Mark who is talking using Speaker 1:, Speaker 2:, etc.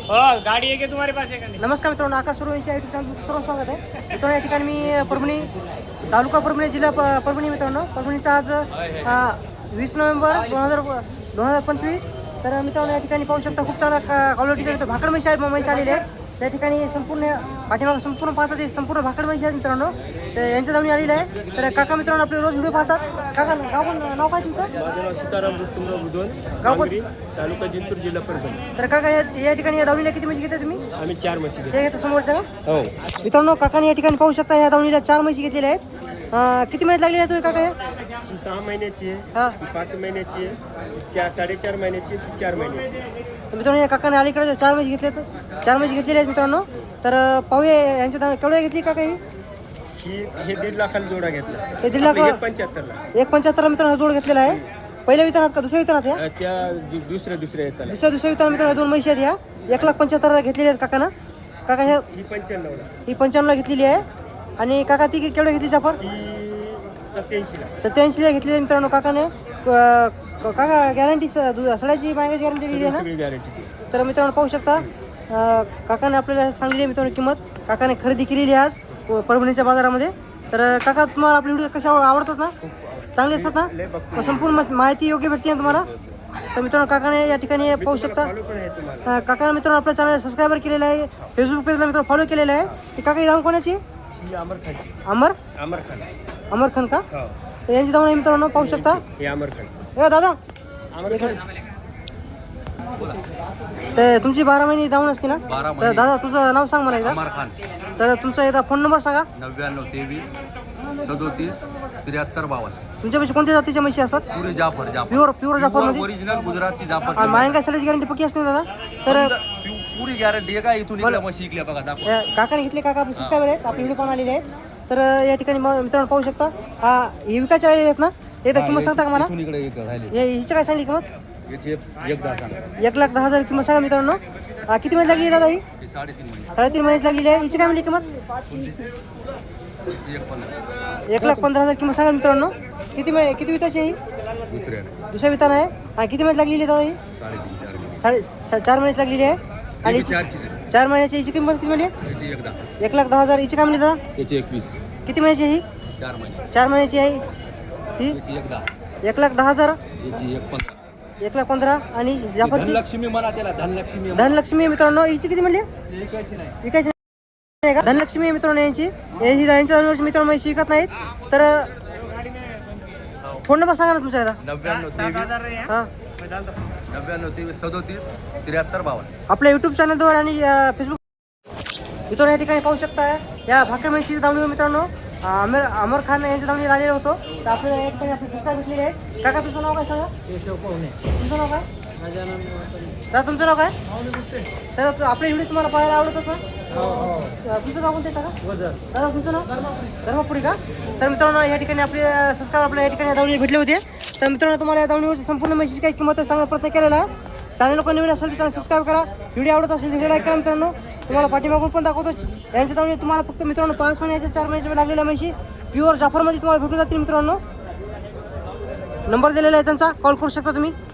Speaker 1: गाड़ी है क्या तुम्हारे पास है?
Speaker 2: नमस्कार मित्रांनो, आकाश सूर्यवंशी या ठिकाणी सर्व स्वागत आहे. मित्रांनो या ठिकाणी मी परभणी तालुका परभणी जिल्हा परभणी मित्रांनो, परभणीचा आज 20 नोव्हेंबर 2025. तर मित्रांनो या ठिकाणी पाहू शकता खूप चांगला क्वालिटीचा भाकड म्हैस आलेले आहेत. त्या ठिकाणी संपूर्ण पाठीमाग संपूर्ण पाहतात ते संपूर्ण भाकड म्हैस आहेत मित्रांनो. तर यांच्या जाऊन आलेलं आहे. तर काका मित्रांनो आपले रोज व्हिडिओ पाहतात. काका नाव काय तुमचं?
Speaker 3: माझं नाव सीताराम रुस्तुमराव बुधवन,
Speaker 2: गाव
Speaker 3: तालुका जिंतूर, जिल्हा परभणी.
Speaker 2: तर काका या ठिकाणी या दावणीला किती म्हशी घेता तुम्ही?
Speaker 3: आम्ही 4 म्हशी घेतो.
Speaker 2: ते घेता समोरच्या का?
Speaker 3: हो.
Speaker 2: मित्रांनो काकाने या ठिकाणी पाहू शकता या दावणीला 4 म्हशी घेतलेल्या आहेत. किती महिन्यात लागली आहे तुम्ही काका?
Speaker 3: ही 6 महिन्याची आहे,
Speaker 2: हा.
Speaker 3: ही 5 महिन्याची आहे, 4.5 महिन्याची आहे, ती 4 महिन्याची आहे.
Speaker 2: तर मित्रांनो या काकाने अलीकडे 4 म्हशी घेतल्या 4 म्हशी घेतलेल्या आहेत मित्रांनो. तर पाहूया यांच्या दावणी केवढ्या घेतली काका ही?
Speaker 3: हे 1.5 लाखाला जोडा घेतला.
Speaker 2: हे 1.5 लाख
Speaker 3: 75ला.
Speaker 2: 1.75 मित्रांनो जोड घेतलेला आहे. पहिल्या वितरणात का दुसऱ्या वितरणात या?
Speaker 3: त्या दुसऱ्या येतात.
Speaker 2: दुसऱ्या वितरणात मित्रांनो 2 म्हशी आहेत या. 1,75,000 घेतलेल्या आहेत काकानं. काका ह्या
Speaker 3: ही 95ला.
Speaker 2: ही 95ला घेतलेली आहे. आणि काका ती केवढ्या घेतली जाफर?
Speaker 3: ही 87ला.
Speaker 2: 87ला घेतलेली आहे मित्रांनो काकाने. काका गॅरंटी सडाची मागायची गॅरंटी दिली आहे ना?
Speaker 3: सगळी गॅरंटी.
Speaker 2: तर मित्रांनो पाहू शकता काकाने आपल्याला सांगलेली आहे मित्रांनो किंमत. काकाने खरेदी केलेली आहे आज परभणीच्या बाजारामध्ये. तर काका तुम्हाला आपले व्हिडिओ कशा आवडतात ना? चांगले असतात ना? संपूर्ण माहिती योग्य भेटते ना तुम्हाला? तर मित्रांनो काकाने या ठिकाणी पाहू शकता. काकाने मित्रांनो आपल्या चॅनल सबस्क्राईबर केलेलं आहे. फेसबुक पेजला मित्रांनो फॉलो केलेलं आहे. ही काका ही जाऊन कोणाची?
Speaker 3: ही अमर खानची.
Speaker 2: अमर खान का?
Speaker 3: हो.
Speaker 2: तर यांची जाऊन मित्रांनो पाहू शकता.
Speaker 3: हे अमर खान.
Speaker 2: दादा
Speaker 3: अमर खान.
Speaker 2: तर तुमची 12 महिने जाऊन असते ना? तर दादा तुझं नाव सांग मला एकदा.
Speaker 4: अमर खान.
Speaker 2: तर तुमचा एकदा फोन नंबर सांगा.
Speaker 4: 99 23 37 73 52.
Speaker 2: तुमच्यापाशी कोणत्या जातीच्या म्हशी असतात?
Speaker 4: पुरी जाफर
Speaker 2: प्युअर जाफर मध्ये
Speaker 4: ओरिजिनल गुजरातची जाफर.
Speaker 2: मायंगा सडाची गॅरंटी पक्की असते दादा. तर
Speaker 4: पुरी गॅरंटी आहे का? इथून इकडे मग शिकल्या बघा दाखव.
Speaker 2: काकाने घेतले. काका आपले सबस्क्रायबर आहेत, आपले व्हिडिओ पाहून आलेले आहेत. तर या ठिकाणी मित्रांनो पाहू शकता हे विकायचे आलेले आहेत ना? एकदा किंमत सांगता का मला?
Speaker 4: इथून इकडे एक राहिली.
Speaker 2: हिची काय सांगली किंमत?
Speaker 4: याची एकदा सांगा.
Speaker 2: 1,10,000 किंमत सांगा मित्रांनो. किती महिन्यात लागली दादा ही?
Speaker 4: 3.5 महिने.
Speaker 2: 3.5 महिन्यात लागलेली आहे. हिची काय म्हणली किंमत?
Speaker 4: याची 1.15.
Speaker 2: 1,15,000 किंमत सांगा मित्रांनो. किती विताची आहे ही? दुसऱ्या वितान आहे. आणि किती महिन्यात लागलेली आहे दादा ही? 4 महिन्यात लागलेली आहे. आणि 4 महिन्याची हिची किंमत किती म्हणली? 1,10,000. हिची काय म्हणली दादा?
Speaker 4: याची 21.
Speaker 2: किती महिन्याची आहे ही?
Speaker 4: 4 महिने.
Speaker 2: 4 महिन्याची आहे ही.
Speaker 4: याची
Speaker 2: 1,10,000.
Speaker 4: याची 1.15.
Speaker 2: 1,15,000. आणि जाफरची
Speaker 4: धनलक्ष्मी म्हणा त्याला.
Speaker 2: धनलक्ष्मी आहे मित्रांनो. हिची किती म्हणली?
Speaker 4: विकायची नाही.
Speaker 2: विकायची नाही का? धनलक्ष्मी आहे मित्रांनो यांची यांच्या मित्रांनो म्हशी विकत नाहीत. तर फोन नंबर सांगा ना तुमचा एकदा.
Speaker 4: 99 23
Speaker 2: हां
Speaker 4: 99 23 37 73 52.
Speaker 2: आपल्या यूट्यूब चॅनलवर आणि फेसबुक मित्रांनो या ठिकाणी पाहू शकता. या भाकरी म्हशीची दावणी मित्रांनो अमर खान यांच्या दावणीला आलेलो होतो. तर आपल्याला या ठिकाणी आपले सबस्क्राईब घेतलेले आहेत. काका तुमचं नाव काय सांगा? तुमचं नाव काय? दादा तुमचं नाव काय? तर आपले व्हिडिओ तुम्हाला पाहायला आवडतात ना? तुमचं नाव कोणतं आहे काका? दादा तुमचं नाव धर्मपुरी का? तर मित्रांनो या ठिकाणी आपले सबस्क्राईब आपल्या या ठिकाणी दावणी भेटले होते. तर मित्रांनो तुम्हाला या दावणीवरची संपूर्ण म्हशीची काही किंमत सांगण्याचा प्रयत्न केलेला आहे. चॅनल लोक नवीन असेल तर चॅनल सबस्क्राईब करा. व्हिडिओ आवडत असेल तर व्हिडिओ लाईक करा मित्रांनो. तुम्हाला पाठीमागून पण दाखवतो. यांच्या दावणी तुम्हाला फक्त मित्रांनो 5 महिन्याच्या 4 महिन्याच्या लागलेल्या म्हशी प्युअर जाफरमध्ये तुम्हाला भेटून जातील मित्रांनो. नंबर दिलेला आहे त्यांचा, कॉल करू शकता तुम्ही.